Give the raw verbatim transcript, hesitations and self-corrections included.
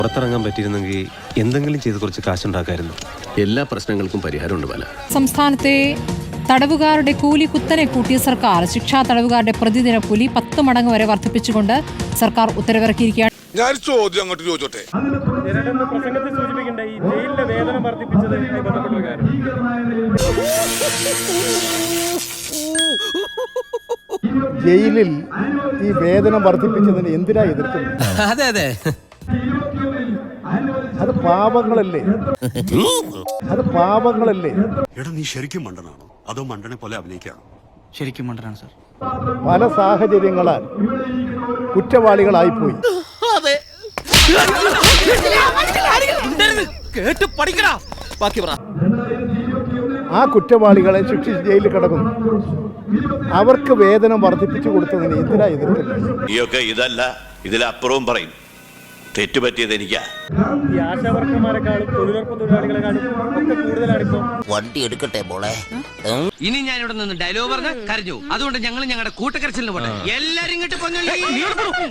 പുറത്തിറങ്ങാൻ പറ്റിയിരുന്നെങ്കിൽ എന്തെങ്കിലും ചെയ്ത് കുറച്ച് കാശുണ്ടാക്കായിരുന്നു. എല്ലാ പ്രശ്നങ്ങൾക്കും പരിഹാരമുണ്ട് പല. സംസ്ഥാനത്തെ തടവുകാരുടെ കൂലി കുത്തനെ കൂട്ടിയ സർക്കാർ ശിക്ഷാ തടവുകാരുടെ പ്രതിദിന കൂലി പത്ത് മടങ്ങ് വരെ വർദ്ധിപ്പിച്ചുകൊണ്ട് സർക്കാർ ഉത്തരവിറക്കിയിരിക്കുകയാണ്. ഞാൻ ചോദ്യം അങ്ങോട്ട് ചോദിച്ചോട്ടെ. പ്രസംഗത്തിൽ സൂചിപ്പിക്കേണ്ട ഈ ജയിലിലെ വേതനം വർദ്ധിപ്പിച്ചതുമായി ബന്ധപ്പെട്ട കാര്യം. ജയിലിൽ ഈ വേതനം വർദ്ധിപ്പിച്ചതിന് എന്തിനാ എതിർക്കുന്നത്? അതെ അതെ അത് പാപങ്ങളല്ലേ, അത് പാപങ്ങളല്ലേ. എടാ നീ ശരിക്കും മണ്ടനാണോ അതോ മണ്ടനെ പോലെ അഭിനയിക്കാണോ? ശരിക്കും മണ്ടനാണ് സാർ. പല സാഹചര്യങ്ങളാൽ കുറ്റവാളികളായിപ്പോയി. കേട്ട് പഠിക്കടാ. ബാക്കി പറ. ആ കുറ്റവാളികളെ ശിക്ഷിച്ച് ജയിലിൽ കിടക്കുന്നു. അവർക്ക് വേതനം വർദ്ധിപ്പിച്ചു കൊടുത്തതിന് എന്തിനാ എതിർക്കുന്നത്? നീയൊക്കെ ഇതല്ല ഇതിലപ്പുറവും പറയും. തെറ്റുപറ്റിയത് എനിക്കാ. ഈ ആശാവർക്കർമാരെക്കാളും തൊഴിലുറപ്പ് തൊഴിലാളികളെക്കാളും ഒക്കെ കൂടുതലാണ് ഇപ്പൊ. വണ്ടി എടുക്കട്ടെ മോളെ. ഇനി ഞാൻ ഇവിടെ നിന്ന് ഡയലോഗ് പറഞ്ഞ് കരഞ്ഞു. അതുകൊണ്ട് ഞങ്ങൾ ഞങ്ങളുടെ കൂട്ടക്കരച്ചിലിന് പോട്ടെ. എല്ലാരും ഇങ്ങോട്ട്